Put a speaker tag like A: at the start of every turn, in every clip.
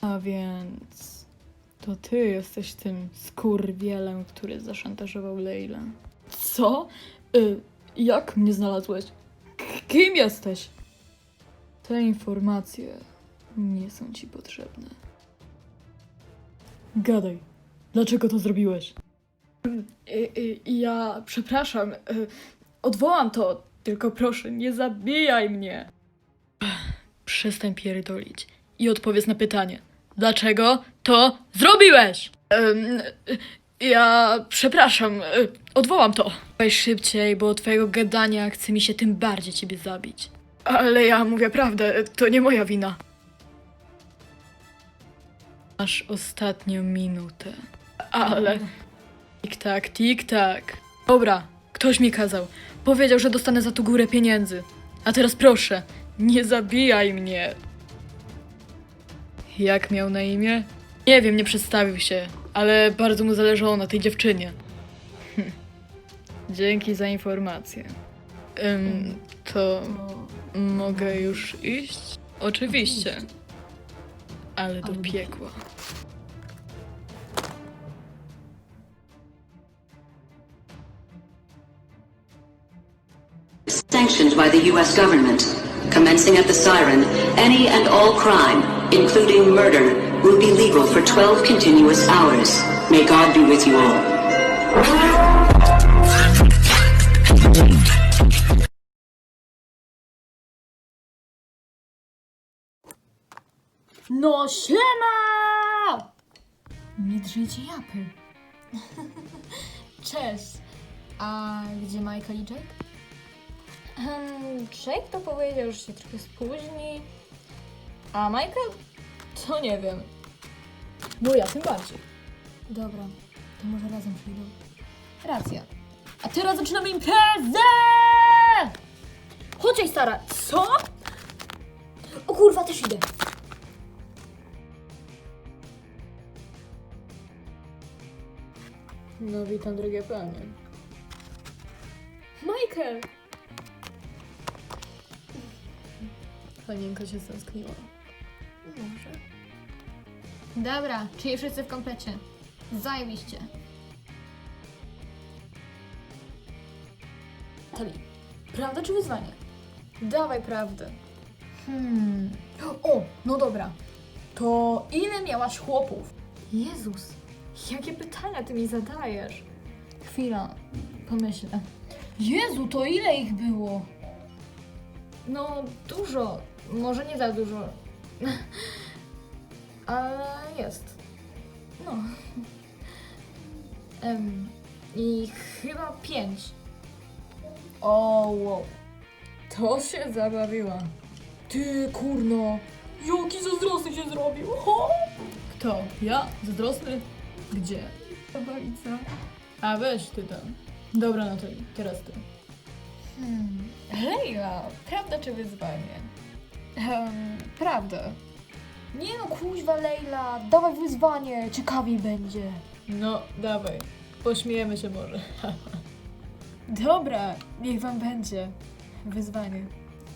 A: A więc... to ty jesteś tym skurwielem, który zaszantażował Leilę. Co? Jak mnie znalazłeś? Kim jesteś? Te informacje nie są ci potrzebne. Gadaj. Dlaczego to zrobiłeś? Ja przepraszam. Odwołam to. Tylko proszę, nie zabijaj mnie. Przestań pierdolić i odpowiedz na pytanie. Dlaczego to zrobiłeś? Ja przepraszam. Odwołam to. Weź szybciej, bo od twojego gadania chce mi się tym bardziej ciebie zabić. Ale ja mówię prawdę. To nie moja wina. Masz ostatnią minutę. Ale... Tik-tak, tik-tak. Dobra, ktoś mi kazał. Powiedział, że dostanę za to górę pieniędzy. A teraz proszę, nie zabijaj mnie. Jak miał na imię? Nie wiem, nie przedstawił się, ale bardzo mu zależało na tej dziewczynie. Dzięki za informację. To mogę już iść? Oczywiście. Ale do piekła.
B: Sanctioned by the U.S. government. Commencing at the siren, any and all crime, including murder, will be legal for 12 continuous hours. May God be with you all.
C: No siema! Nie drzyjcie japy. Cześć. A gdzie Michael i Jake? Jake to powiedział, że się trochę spóźni. A Michael? To nie wiem. No ja tym bardziej. Dobra, to może razem przyjdą. Racja. A teraz zaczynamy imprezę! Chodź, stara. Co? O kurwa, też idę.
A: No witam, drogie panie.
C: Michael!
A: Panienka się stęskniła.
C: Może. Dobra, czyli wszyscy w komplecie. Zajebiście. Tali, prawda czy wyzwanie?
A: Dawaj prawdę.
C: O, no dobra. To ile miałaś chłopów? Jezus, jakie pytania ty mi zadajesz? Chwila, pomyślę. Jezu, to ile ich było? No, dużo. Może nie za dużo. Ale jest. No. I chyba 5.
A: O, wow. To się zabawiła. Ty, kurno. Jaki zazdrosny się zrobił. Ho! Kto? Ja? Zazdrosny? Gdzie? Babica. A weź ty tam. Dobra, no to teraz ty.
C: Leila, prawda czy wyzwanie? Prawda. Nie no, kuźwa Leila, dawaj wyzwanie, ciekawiej będzie.
A: No, dawaj. Pośmiejemy się może.
C: Dobra, niech wam będzie. Wyzwanie.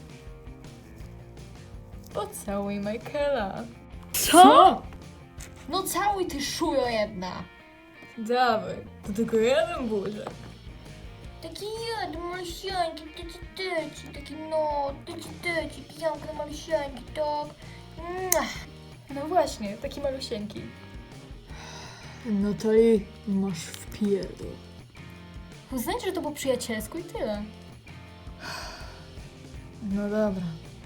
A: Pocałuj Michaela.
C: Co? No całuj ty szujo jedna.
A: Dawaj. To tylko jeden buziak.
C: Taki jeden, malusieńki, taki no, tyci, pijanka malusieńki, tak. No właśnie, taki malusieńki.
A: No to i masz wpierdol.
C: Uznajcie, że to po przyjacielsku i tyle.
A: No dobra.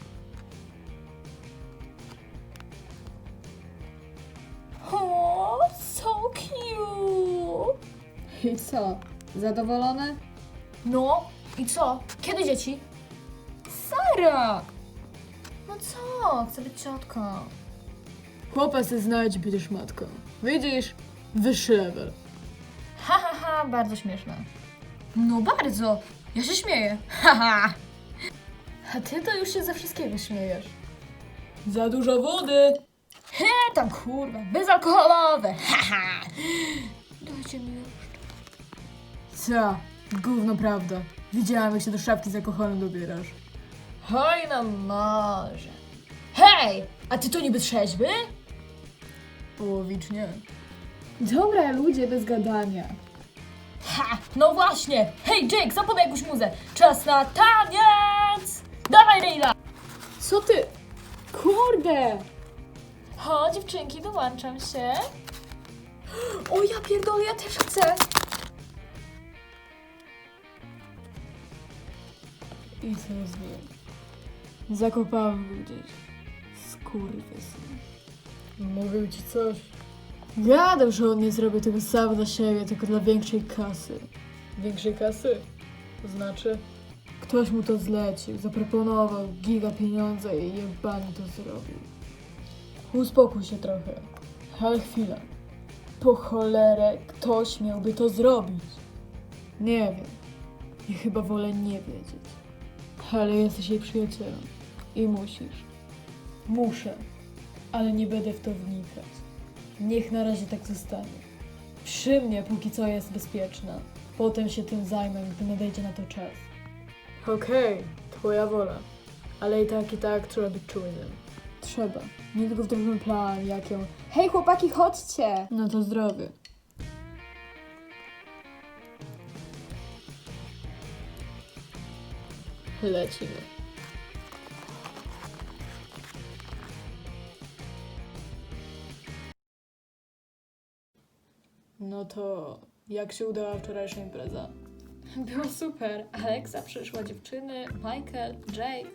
C: O, so cute!
A: I co? Zadowolone?
C: No, i co? Kiedy dzieci? Sara! No co? Chcę być ciotką.
A: Chłopa se znajdź, będziesz matką. Widzisz? Wyższy level.
C: Ha, ha, ha, bardzo śmieszne. No bardzo! Ja się śmieję. Ha, ha. A ty to już się ze wszystkiego śmiejesz.
A: Za dużo wody!
C: Tam kurwa, bezalkoholowe. Ha, ha. Dajcie mi już.
A: Co? Gówno prawda. Widziałam, jak się do szafki z alkoholem dobierasz.
C: Hoj, no może. Hej! A ty to niby trzeźwy?
A: Połowicznie.
C: Dobra, ludzie, bez gadania.
A: Ha! No właśnie! Hej, Jake, zapodaj jakąś muzę! Czas na taniec! Dawaj, Leila!
C: Co ty? Kurde!
A: O, dziewczynki, dołączam się. O, ja pierdolę, ja też chcę! I co z nim? Zakopałem go gdzieś. Skurwysyn. Mówił ci coś? Gadał, że on nie zrobi tego sam dla siebie, tylko dla większej kasy. Większej kasy? To znaczy? Ktoś mu to zlecił, zaproponował giga pieniądza i jebany to zrobił. Uspokój się trochę. Ale chwila. Po cholerę ktoś miałby to zrobić. Nie wiem. I chyba wolę nie wiedzieć. Ale jesteś jej przyjacielem. I musisz. Muszę. Ale nie będę w to wnikać. Niech na razie tak zostanie. Przy mnie póki co jest bezpieczna. Potem się tym zajmę, gdy nadejdzie na to czas. Okej, twoja wola. Ale i tak trzeba być czujnym. Trzeba. Niedługo wdrożymy plan, jak ją...
C: Hej, chłopaki, chodźcie!
A: No to zdrowie. Lecimy. No to jak się udała wczorajsza impreza? Było super. Alexa przyszła, dziewczyny, Michael, Jake.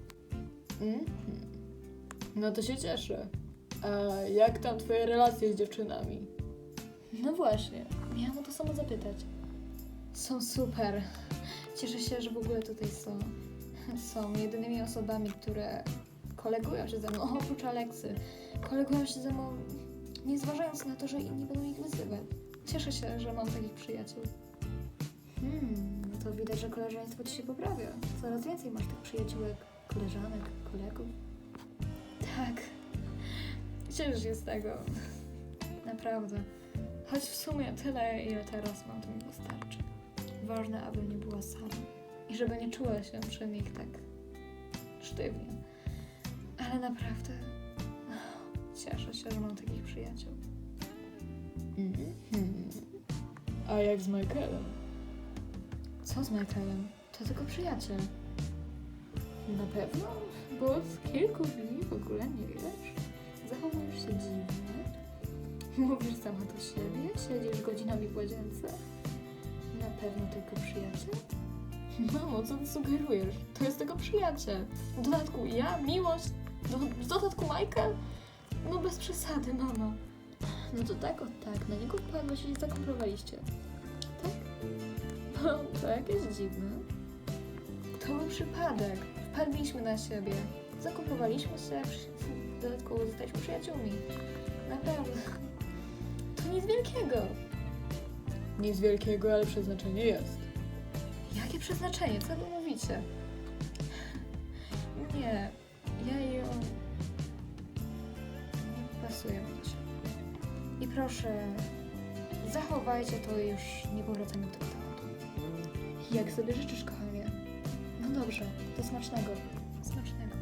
A: No to się cieszę. A jak tam twoje relacje z dziewczynami? No właśnie, miałam o to samo zapytać. Są super. Cieszę się, że w ogóle tutaj są. Są jedynymi osobami, które kolegują się ze mną, oprócz Aleksy. Kolegują się ze mną, nie zważając na to, że inni będą ich wyzywać. Cieszę się, że mam takich przyjaciół. No to widać, że koleżeństwo ci się poprawia. Coraz więcej masz tych przyjaciółek, koleżanek, kolegów. Tak. Cieszę się z tego. Naprawdę. Choć w sumie tyle, ile teraz mam, to mi wystarczy. Ważne, aby nie była sama. I żeby nie czuła się przy nich tak sztywnie. Ale naprawdę cieszę się, że mam takich przyjaciół. A jak z Michaelem? Co z Michaelem? To tylko przyjaciel. Na pewno? Bo od kilku dni w ogóle nie wiesz. Zachowujesz się dziwnie. Mówisz sama do siebie, siedzisz godzinami w łazience. Na pewno tylko przyjaciel? Mamo, co ty sugerujesz? To jest tylko przyjaciel. W dodatku ja, miłość, w dodatku Michael? No bez przesady, mama. No to tak, na niego wpadłeś i zakomprowaliście. Tak? No, to jakieś dziwne. To był przypadek. Wpadliśmy na siebie. Zakupowaliśmy się, w dodatku zostaliśmy przyjaciółmi. Naprawdę. To nic wielkiego. Nic wielkiego, ale przeznaczenie jest. Jakie przeznaczenie? Co wy mówicie? Nie, ja ją... nie pasuję mi się. I proszę, zachowajcie to i już nie powracamy do tego tematu. Jak sobie życzysz, kochanie? No dobrze, to smacznego. Smacznego.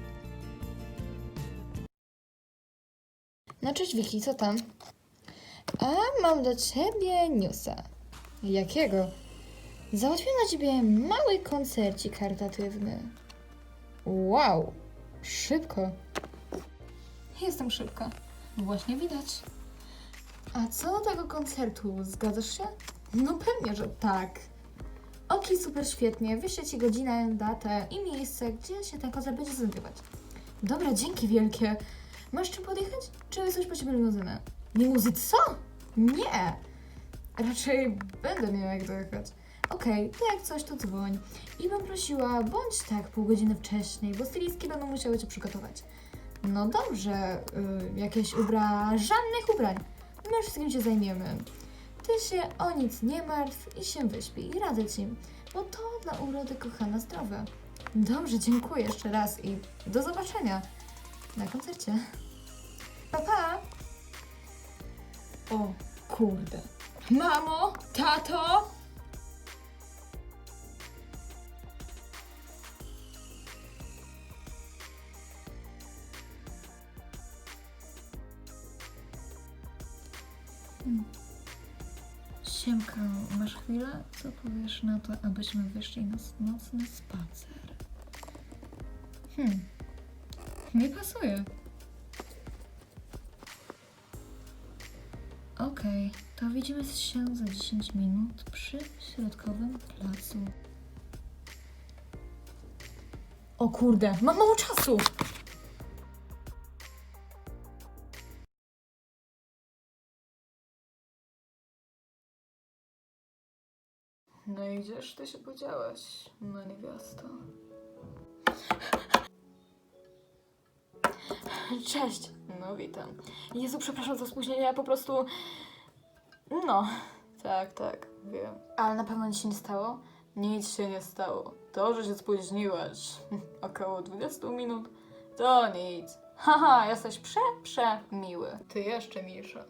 C: No cześć Wiki, co tam? A mam do ciebie newsa. Jakiego? Załatwiłem dla ciebie mały koncercik charytatywny. Wow, szybko.
A: Jestem szybka. Właśnie widać.
C: A co do tego koncertu, zgadzasz się? No pewnie, że tak. Okej, super, świetnie. Wyślę ci godzinę, datę i miejsce, gdzie się ten koncert będzie znajdować. Dobra, dzięki wielkie. Masz czym podjechać? Czy coś po ciebie limuzynę? Limuzy co? Nie! Raczej będę miała jak dojechać. Okej, to jak coś, to dzwoń. I bym prosiła, bądź tak pół godziny wcześniej, bo stylistki będą musiały cię przygotować. No dobrze, jakieś żadnych ubrań. My wszystkim się zajmiemy. Ty się o nic nie martw i się wyśpij. Radzę ci, bo to dla urody kochana zdrowe. Dobrze, dziękuję jeszcze raz i do zobaczenia na koncercie. Pa, pa!
A: O kurde. Mamo, tato!
C: Siemka, masz chwilę? Co powiesz na to, abyśmy wyszli na nocny spacer? Mi pasuje. Okej, to widzimy się za 10 minut przy środkowym placu. O kurde, mam mało czasu! No i gdzież ty się podziałaś, no niewiasto? Cześć! No witam. Jezu, przepraszam za spóźnienie, ja po prostu... No. Tak, wiem. Ale na pewno nic się nie stało? Nic się nie stało. To, że się spóźniłaś około 20 minut, to nic. Haha, jesteś przemiły. Ty jeszcze milsza.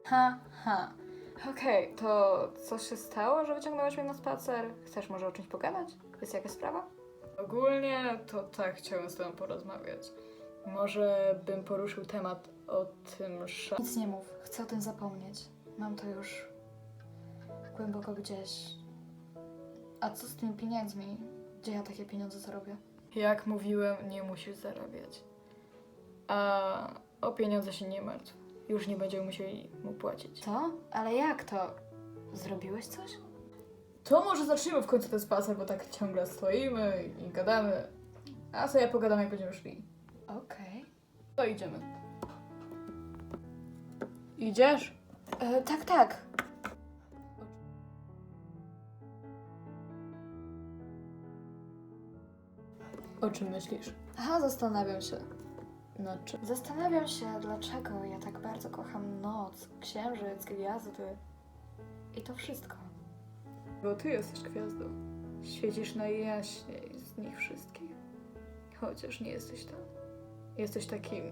C: Okej, to co się stało, że wyciągnąłeś mnie na spacer? Chcesz może o czymś pogadać? Jest jakaś sprawa? Ogólnie to tak chciałem z tobą porozmawiać. Może bym poruszył temat o tym Nic nie mów, chcę o tym zapomnieć. Mam to już głęboko gdzieś. A co z tymi pieniędzmi? Gdzie ja takie pieniądze zarobię? Jak mówiłem, nie musisz zarabiać. A o pieniądze się nie martw. Już nie będziemy musieli mu płacić. Co? Ale jak to? Zrobiłeś coś? To może zacznijmy w końcu ten spacer, bo tak ciągle stoimy i gadamy. A sobie pogadam, jak będziemy szli. Okej. To idziemy. Idziesz? Tak. O czym myślisz? Zastanawiam się. Nad czym? Zastanawiam się, dlaczego ja tak bardzo kocham noc, księżyc, gwiazdy i to wszystko. Bo ty jesteś gwiazdą. Świecisz najjaśniej z nich wszystkich. Chociaż nie jesteś tam. Jesteś takim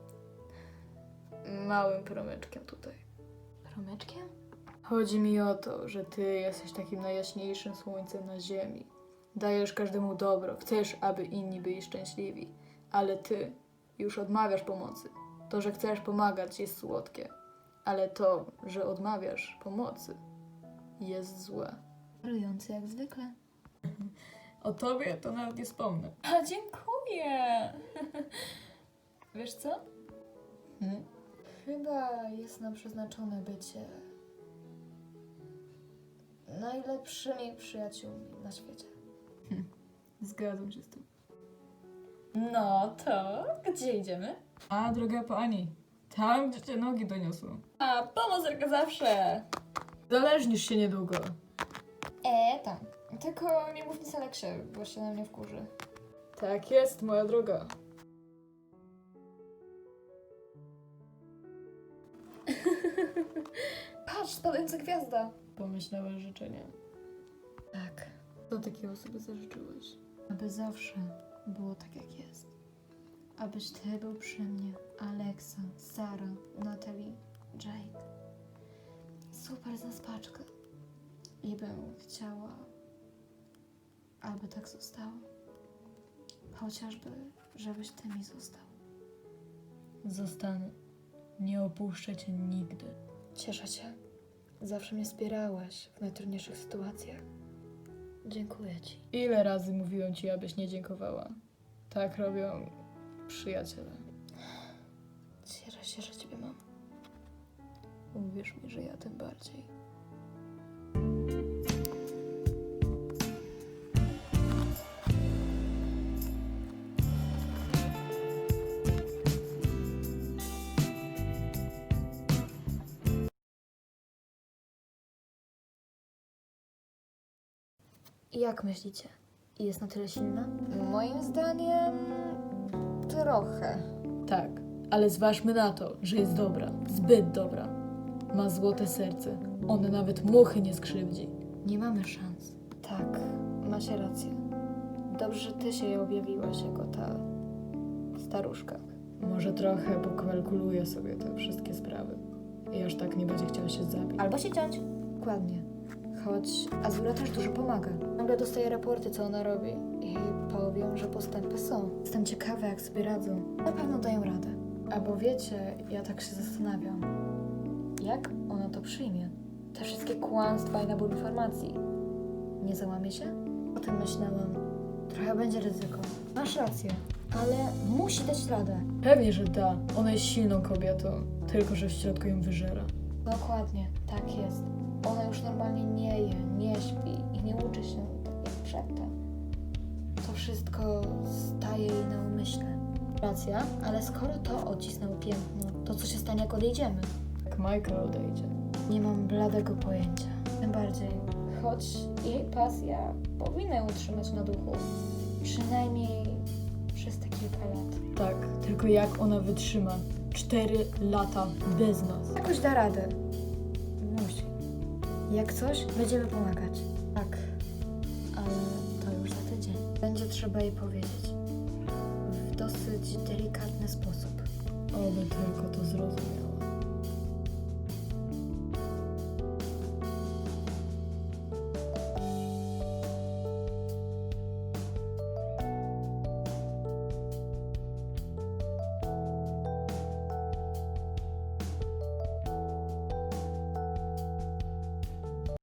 C: małym promyczkiem tutaj. Promyczkiem? Chodzi mi o to, że ty jesteś takim najjaśniejszym słońcem na ziemi. Dajesz każdemu dobro, chcesz, aby inni byli szczęśliwi, ale ty już odmawiasz pomocy. To, że chcesz pomagać, jest słodkie, ale to, że odmawiasz pomocy, jest złe. Czarujący jak zwykle. O tobie to nawet nie wspomnę. Dziękuję! Wiesz co? Chyba jest nam przeznaczone bycie najlepszymi przyjaciółmi na świecie. Zgadzam się z tym. No to gdzie idziemy? A, droga pani, tam gdzie cię nogi doniosą. A, pomoc jak zawsze. Zależnisz się niedługo. Tam. Tylko nie mów nic Aleksie, bo się na mnie wkurzy. Tak jest, moja droga. Patrz, spadająca gwiazda. Pomyślałeś życzenie. Tak. Co takiego sobie zażyczyłeś? Aby zawsze było tak, jak jest. Abyś ty był przy mnie, Alexa, Sara, Natalie, Jake. Super zaspaczka. I bym chciała, aby tak zostało. Chociażby, żebyś ty mi został. Zostanę. Nie opuszczę cię nigdy. Cieszę się. Zawsze mnie wspierałeś w najtrudniejszych sytuacjach. Dziękuję ci. Ile razy mówiłem ci, abyś nie dziękowała? Tak robią przyjaciele. Cieszę się, że ciebie mam. Uwierz mi, że ja tym bardziej. Jak myślicie? Jest na tyle silna? Moim zdaniem... trochę. Tak, ale zważmy na to, że jest dobra. Zbyt dobra. Ma złote serce. One nawet muchy nie skrzywdzi. Nie mamy szans. Tak, macie rację. Dobrze, że ty się jej objawiłaś jako ta staruszka. Może trochę pokalkuluję sobie te wszystkie sprawy. I aż tak nie będzie chciała się zabić. Albo się ciąć. Dokładnie. Choć Azura też dużo pomaga. Nagle dostaję raporty, co ona robi i powiem, że postępy są. Jestem ciekawa, jak sobie radzą. Na pewno dają radę. Albo wiecie, ja tak się zastanawiam. Jak ona to przyjmie? Te wszystkie kłamstwa i nabór informacji. Nie załamie się? O tym myślałam. Trochę będzie ryzyko. Masz rację, ale musi dać radę.
A: Pewnie, że da. Ona jest silną kobietą, tylko że w środku ją wyżera.
C: Dokładnie, tak jest. Ona już normalnie nie je, nie śpi i nie uczy się tak jak przedtem. To wszystko staje jej na umyśle. Racja, ale skoro to odcisnęło piętno, to co się stanie, jak odejdziemy?
A: Jak Michael odejdzie.
C: Nie mam bladego pojęcia. Tym bardziej, choć jej pasja powinna ją utrzymać na duchu. Przynajmniej przez te kilka lat.
A: Tak, tylko jak ona wytrzyma 4 lata bez nas.
C: Jakoś da radę. Musi. Jak coś, będziemy pomagać. Tak, ale to już za tydzień. Będzie trzeba jej powiedzieć. W dosyć delikatny sposób.
A: Oby tylko to zrobił.